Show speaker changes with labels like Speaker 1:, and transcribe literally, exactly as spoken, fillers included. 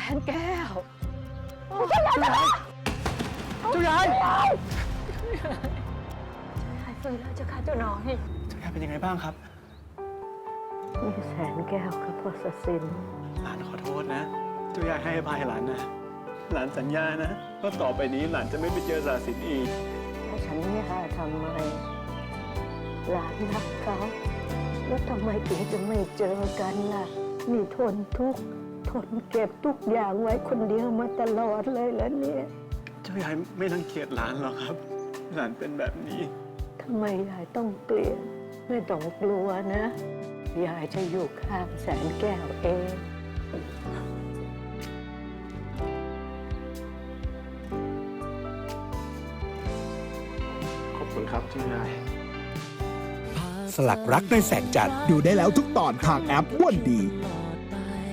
Speaker 1: นแก้ว
Speaker 2: เจ้ายายเจ้ายาย
Speaker 1: หายฟื้นแล้วเจ้าค่ะเจ้าน้อย
Speaker 2: เจ้ายายเป็นยังไงบ้างครับ
Speaker 1: มีแสนแก้วกับพ่อศศิน
Speaker 2: หลานขอโทษนะเจ้ายายให้อภัยหลานนะ หลานสัญญานะว่าต่อไปนี้หลานจะไม่ไปเจอศาสินอีก
Speaker 1: ถ้าฉันไม่หาทำไมหลานรักเขาแล้วทำไมถึงจะไม่เจอกันล่ะนี่ทนทุกข์ทนเก็บทุกอย่างไว้คนเดียวมาตลอดเลยแล้วเนี่ย
Speaker 2: เจ้ายายไม่รังเกียจหลานหรอกครับ หลานเป็นแบบนี้
Speaker 1: ทำไมยายต้องเปลี่ยนไม่ต้องกลัวนะยายจะอยู่ข้างแสนแก้วเอง
Speaker 2: ขอบคุณครับเจ้ายาย
Speaker 3: สลักรักในแสงจันทร์ดูได้แล้วทุกตอนทางแอปว่นดี